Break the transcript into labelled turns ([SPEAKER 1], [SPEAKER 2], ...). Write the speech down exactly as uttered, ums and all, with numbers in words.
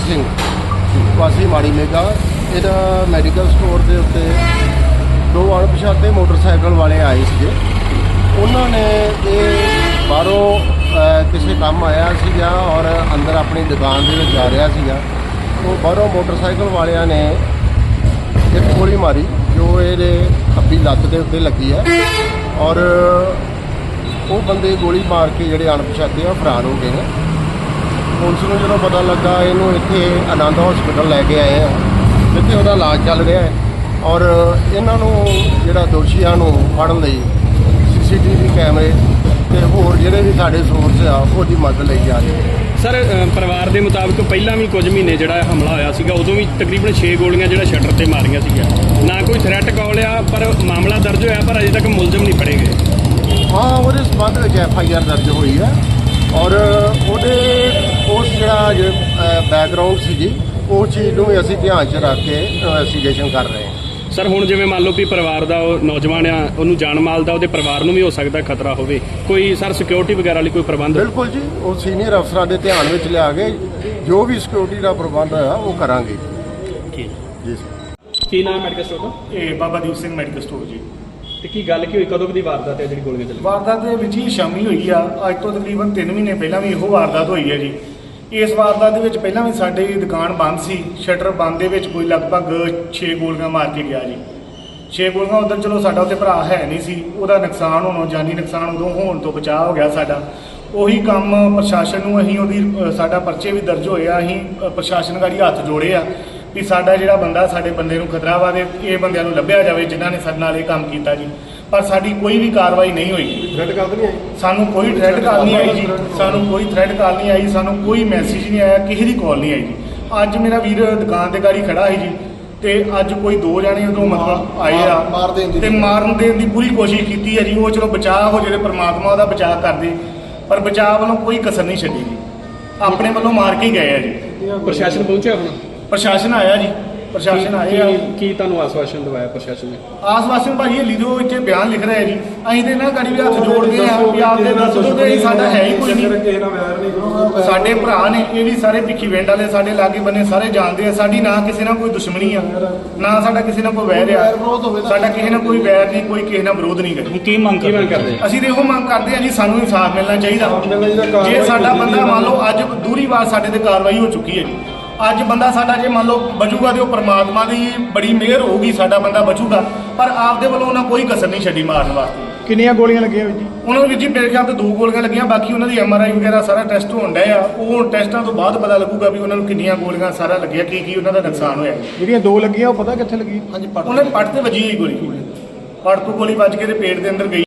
[SPEAKER 1] ਸਿੰਘ ਵਾਸੀ ਮਾੜੀ ਮੇਗਾ। ਇਹਦਾ ਮੈਡੀਕਲ ਸਟੋਰ ਦੇ ਉੱਤੇ ਦੋ ਅਣਪਛਾਤੇ ਮੋਟਰਸਾਈਕਲ ਵਾਲੇ ਆਏ ਸੀਗੇ। ਉਹਨਾਂ ਨੇ ਇਹ ਬਾਹਰੋਂ ਕਿਸੇ ਕੰਮ ਆਇਆ ਸੀਗਾ ਔਰ ਅੰਦਰ ਆਪਣੀ ਦੁਕਾਨ ਦੇ ਵਿੱਚ ਜਾ ਰਿਹਾ ਸੀਗਾ। ਉਹ ਬਾਹਰੋਂ ਮੋਟਰਸਾਈਕਲ ਵਾਲਿਆਂ ਨੇ ਇੱਕ ਗੋਲੀ ਮਾਰੀ ਜੋ ਇਹਦੇ ਖੱਬੀ ਲੱਤ ਦੇ ਉੱਤੇ ਲੱਗੀ ਹੈ ਔਰ ਉਹ ਬੰਦੇ ਗੋਲੀ ਮਾਰ ਕੇ ਜਿਹੜੇ ਅਣਪਛਾਤੇ ਆ ਫਰਾਰ ਹੋ ਗਏ ਨੇ। ਪੁਲਿਸ ਨੂੰ ਜਦੋਂ ਪਤਾ ਲੱਗਾ ਇਹਨੂੰ ਇੱਥੇ ਆਨੰਦ ਹਸਪੀਟਲ ਲੈ ਕੇ ਆਏ ਆ ਜਿੱਥੇ ਉਹਦਾ ਇਲਾਜ ਚੱਲ ਰਿਹਾ ਹੈ ਔਰ ਇਹਨਾਂ ਨੂੰ ਜਿਹੜਾ ਦੋਸ਼ੀਆਂ ਨੂੰ ਫੜਨ ਲਈ ਸੀ ਸੀ ਟੀ ਵੀ ਕੈਮਰੇ ਤੇ ਹੋਰ ਜਿਹੜੇ ਵੀ ਸਾਡੇ ਸੋਰਸ ਆ ਉਹਦੀ ਮਦਦ ਲਈ ਜਾ ਰਹੀ ਹੈ।
[SPEAKER 2] ਸਰ ਪਰਿਵਾਰ ਦੇ ਮੁਤਾਬਕ ਪਹਿਲਾਂ ਵੀ ਕੁਝ ਮਹੀਨੇ ਜਿਹੜਾ ਹਮਲਾ ਹੋਇਆ ਸੀਗਾ ਉਦੋਂ ਵੀ ਤਕਰੀਬਨ ਛੇ ਗੋਲੀਆਂ ਜਿਹੜਾ ਸ਼ਟਰ ਤੇ ਮਾਰੀਆਂ ਸੀਗੀਆਂ। ਨਾ ਕੋਈ ਥ੍ਰੈਟ ਕਾਲ ਆ ਪਰ ਮਾਮਲਾ ਦਰਜ ਹੋਇਆ ਪਰ ਅਜੇ ਤੱਕ ਮੁਲਜ਼ਮ ਨਹੀਂ ਫੜੇ ਗਏ।
[SPEAKER 1] ਹਾਂ, ਉਹਦੇ ਸੰਬੰਧ ਵਿੱਚ ਐਫ ਆਈ ਆਰ ਦਰਜ ਹੋਈ ਹੈ ਔਰ ਉਹਦੇ ਉਸ ਜਿਹੜਾ ਬੈਕਗਰਾਊਂਡ ਸੀਗੀ ਉਹ ਚੀਜ਼ ਨੂੰ ਵੀ ਅਸੀਂ ਧਿਆਨ 'ਚ ਰੱਖ ਕੇ ਇਨਵੈਸਟੀਗੇਸ਼ਨ ਕਰ ਰਹੇ ਹਾਂ।
[SPEAKER 2] ਸਰ ਹੁਣ ਜਿਵੇਂ ਮੰਨ ਲਓ ਵੀ ਪਰਿਵਾਰ ਦਾ ਉਹ ਨੌਜਵਾਨ ਆ ਉਹਨੂੰ ਜਾਨ ਮਾਲ ਦਾ ਉਹਦੇ ਪਰਿਵਾਰ ਨੂੰ ਵੀ ਹੋ ਸਕਦਾ ਖਤਰਾ ਹੋਵੇ, ਕੋਈ ਸਰ ਸਿਕਿਉਰਿਟੀ ਵਗੈਰਾ ਲਈ ਕੋਈ ਪ੍ਰਬੰਧ?
[SPEAKER 1] ਬਿਲਕੁਲ ਜੀ, ਉਹ ਸੀਨੀਅਰ ਅਫਸਰਾਂ ਦੇ ਧਿਆਨ ਵਿੱਚ ਲਿਆ ਕੇ ਜੋ ਵੀ ਸਿਕਿਉਰਿਟੀ ਦਾ ਪ੍ਰਬੰਧ ਹੈ ਉਹ ਕਰਾਂਗੇ।
[SPEAKER 2] ਠੀਕ
[SPEAKER 1] ਜੀ
[SPEAKER 2] ਸਰ। ਕੀ ਨਾਮ ਮੈਡੀਕਲ ਸਟੋਰ ਦਾ?
[SPEAKER 3] ਇਹ ਬਾਬਾ ਦੀਪ ਸਿੰਘ ਮੈਡੀਕਲ ਸਟੋਰ ਜੀ।
[SPEAKER 2] ਤੇ ਕੀ ਗੱਲ ਕੀ ਹੋਈ, ਕਦੋਂ ਦੀ ਵਾਰਦਾਤ ਹੈ ਜਿਹੜੀ ਗੋਲੀਆਂ ਚੱਲੀਆਂ?
[SPEAKER 3] ਵਾਰਦਾਤ ਦੇ ਵਿੱਚ ਹੀ ਸ਼ਾਮੀ ਹੋਈ ਆ। ਅੱਜ ਤੋਂ ਤਕਰੀਬਨ ਤਿੰਨ ਮਹੀਨੇ ਪਹਿਲਾਂ ਵੀ ਇਹੋ ਵਾਰਦਾਤ ਹੋਈ ਹੈ ਜੀ। ਇਸ ਵਾਰਦਾਤ ਦੇ ਵਿੱਚ ਪਹਿਲਾਂ ਵੀ ਸਾਡੀ ਦੁਕਾਨ ਬੰਦ ਸੀ, ਸ਼ਟਰ ਬੰਦ ਦੇ ਵਿੱਚ ਕੋਈ ਲਗਭਗ ਛੇ ਗੋਲੀਆਂ ਮਾਰ ਕੇ ਗਿਆ ਜੀ। ਛੇ ਗੋਲੀਆਂ ਉੱਧਰ ਚਲੋ ਸਾਡਾ ਉੱਥੇ ਭਰਾ ਹੈ ਨਹੀਂ ਸੀ, ਉਹਦਾ ਨੁਕਸਾਨ ਹੋਣੋਂ ਜਾਨੀ ਨੁਕਸਾਨ ਉਦੋਂ ਹੋਣ ਤੋਂ ਬਚਾਅ ਹੋ ਗਿਆ ਸਾਡਾ। ਉਹੀ ਕੰਮ ਪ੍ਰਸ਼ਾਸਨ ਨੂੰ ਅਸੀਂ ਉਹਦੀ ਸਾਡਾ ਪਰਚੇ ਵੀ ਦਰਜ ਹੋਏ ਆ। ਅਸੀਂ ਪ੍ਰਸ਼ਾਸਨ ਗਾੜੀ ਹੱਥ ਜੋੜੇ ਆ ਵੀ ਸਾਡਾ ਜਿਹੜਾ ਬੰਦਾ ਸਾਡੇ ਬੰਦੇ ਨੂੰ ਖਤਰਾ ਵਾ ਦੇ ਇਹ ਬੰਦਿਆਂ ਨੂੰ ਲੱਭਿਆ ਜਾਵੇ ਜਿਨ੍ਹਾਂ ਨੇ ਸਾਡੇ ਨਾਲ ਇਹ ਕੰਮ ਕੀਤਾ ਜੀ। ਪਰ ਸਾਡੀ ਕੋਈ ਵੀ ਕਾਰਵਾਈ ਨਹੀਂ ਹੋਈ।
[SPEAKER 1] ਥ੍ਰੈਟ ਕਾਲ ਨਹੀਂ ਆਈ
[SPEAKER 3] ਸਾਨੂੰ ਕੋਈ ਥ੍ਰੈਟ ਕਾਲ ਨਹੀਂ ਆਈ ਜੀ। ਸਾਨੂੰ ਕੋਈ ਥ੍ਰੈਟ ਕਾਲ ਨਹੀਂ ਆਈ, ਸਾਨੂੰ ਕੋਈ ਮੈਸੇਜ ਨਹੀਂ ਆਇਆ, ਕਿਸੇ ਦੀ ਕਾਲ ਨਹੀਂ ਆਈ ਜੀ। ਅੱਜ ਮੇਰਾ ਵੀਰ ਦੁਕਾਨ ਤੇ ਗਾੜੀ ਖੜਾ ਸੀ ਜੀ ਤੇ ਅੱਜ ਕੋਈ ਦੋ ਜਾਣੇ ਉਦੋਂ ਮਤਲਬ ਆਏ ਆ ਤੇ ਮਾਰਨ ਦੇਣ ਦੀ ਪੂਰੀ ਕੋਸ਼ਿਸ਼ ਕੀਤੀ ਹੈ ਜੀ। ਉਹ ਚਲੋ ਬਚਾਅ ਹੋ ਜਿਹੜੇ ਪਰਮਾਤਮਾ ਉਹਦਾ ਬਚਾਅ ਕਰਦੇ, ਪਰ ਬਚਾਅ ਵੱਲੋਂ ਕੋਈ ਕਸਰ ਨਹੀਂ ਛੱਡੀ ਜੀ। ਆਪਣੇ ਵੱਲੋਂ ਮਾਰ ਕੇ ਹੀ ਗਏ ਆ ਜੀ।
[SPEAKER 2] ਪ੍ਰਸ਼ਾਸਨ ਪਹੁੰਚਿਆ ਆਪਣਾ?
[SPEAKER 3] ਪ੍ਰਸ਼ਾਸਨ ਆਇਆ ਜੀ, ਪ੍ਰਸ਼ਾਸਨ ਆਏ ਆ।
[SPEAKER 2] ਕੀ ਤੁਹਾਨੂੰ ਆਸ਼ਵਾਸਨ ਦਵਾਇਆ ਪ੍ਰਸ਼ਾਸਨ ਨੇ?
[SPEAKER 3] ਆਸ਼ਵਾਸਨ ਭਾਜੀ ਇਹ ਲਿਖੋ ਇੱਥੇ ਬਿਆਨ ਲਿਖ ਰਿਹਾ ਜੀ। ਅਸੀਂ ਤੇ ਨਾ ਗਾੜੀ ਵੀ ਹੱਥ ਜੋੜਦੇ ਆ ਵੀ ਆਪਦੇ ਦੱਸ ਦਿਓ ਕਿ ਸਾਡਾ ਹੈ ਹੀ ਕੋਈ ਨਹੀਂ। ਸਾਡੇ ਭਰਾ ਨੇ, ਇਹ ਵੀ ਸਾਰੇ ਭਿੱਖੀ ਵਿੰਡ ਵਾਲੇ ਸਾਡੇ ਲਾਗੇ ਬੰਨੇ ਸਾਰੇ ਜਾਣਦੇ ਆ। ਸਾਡੀ ਨਾ ਕਿਸੇ ਨਾਲ ਕੋਈ ਦੁਸ਼ਮਣੀ ਆ, ਨਾ ਸਾਡਾ ਕਿਸੇ ਨਾਲ ਕੋਈ ਵੈਰ ਆ। ਸਾਡਾ ਕਿਸੇ ਨਾਲ ਕੋਈ ਵੈਰ ਨਹੀਂ, ਕੋਈ ਕਿਸੇ ਨਾਲ ਵਿਰੋਧ ਨਹੀਂ ਕਰਦਾ।
[SPEAKER 2] ਕੀ ਮੰਗ ਕੀ ਮੰਗ ਕਰਦੇ?
[SPEAKER 3] ਅਸੀਂ ਤੇ ਇਹੋ ਮੰਗ ਕਰਦੇ ਆ ਜੀ, ਸਾਨੂੰ ਇਨਸਾਫ ਮਿਲਣਾ ਚਾਹੀਦਾ। ਜੇ ਸਾਡਾ ਬੰਦਾ ਮੰਨ ਲਓ ਅੱਜ ਦੂਰੀ ਵਾਰ ਸਾਡੇ ਤੇ ਕਾਰਵਾਈ ਹੋ ਚੁੱਕੀ ਹੈ ਜੀ। ਅੱਜ ਬੰਦਾ ਸਾਡਾ ਜੇ ਮੰਨ ਲਓ ਬਚੂਗਾ ਤੇ ਉਹ ਪਰਮਾਤਮਾ ਦੀ ਬੜੀ ਮਿਹਰ ਹੋਊਗੀ, ਸਾਡਾ ਬੰਦਾ ਬਚੂਗਾ। ਪਰ ਆਪਦੇ ਵੱਲੋਂ ਉਹਨਾਂ ਕੋਈ ਕਸਰ ਨਹੀਂ ਛੱਡੀ ਮਾਰਨ ਵਾਸਤੇ।
[SPEAKER 4] ਕਿੰਨੀਆਂ ਗੋਲੀਆਂ ਲੱਗੀਆਂ ਜੀ?
[SPEAKER 3] ਉਹਨਾਂ ਨੂੰ ਜੀ ਮੇਰੇ ਖਿਆਲ ਤੇ ਦੋ ਗੋਲੀਆਂ ਲੱਗੀਆਂ, ਬਾਕੀ ਉਹਨਾਂ ਦੀ ਐਮ ਆਰ ਆਈ ਵਗੈਰਾ ਸਾਰਾ ਟੈਸਟ ਹੋਣ ਡਿਆ ਆ। ਉਹ ਟੈਸਟਾਂ ਤੋਂ ਬਾਅਦ ਪਤਾ ਲੱਗੂਗਾ ਵੀ ਉਹਨਾਂ ਨੂੰ ਕਿੰਨੀਆਂ ਗੋਲੀਆਂ ਸਾਰਾ ਲੱਗਿਆ, ਕੀ ਕੀ ਉਹਨਾਂ ਦਾ ਨੁਕਸਾਨ ਹੋਇਆ।
[SPEAKER 4] ਜਿਹੜੀਆਂ ਦੋ ਲੱਗੀਆਂ ਉਹ ਪਤਾ ਕਿੱਥੇ ਲੱਗੀ?
[SPEAKER 3] ਉਹਨਾਂ ਦੇ ਪੱਟ ਤੇ ਵੱਜੀ ਹੋਈ ਗੋਲੀ, ਪੱਟ ਤੋਂ ਗੋਲੀ ਵੱਜ ਕੇ ਤੇ ਪੇਟ ਦੇ ਅੰਦਰ ਗਈ।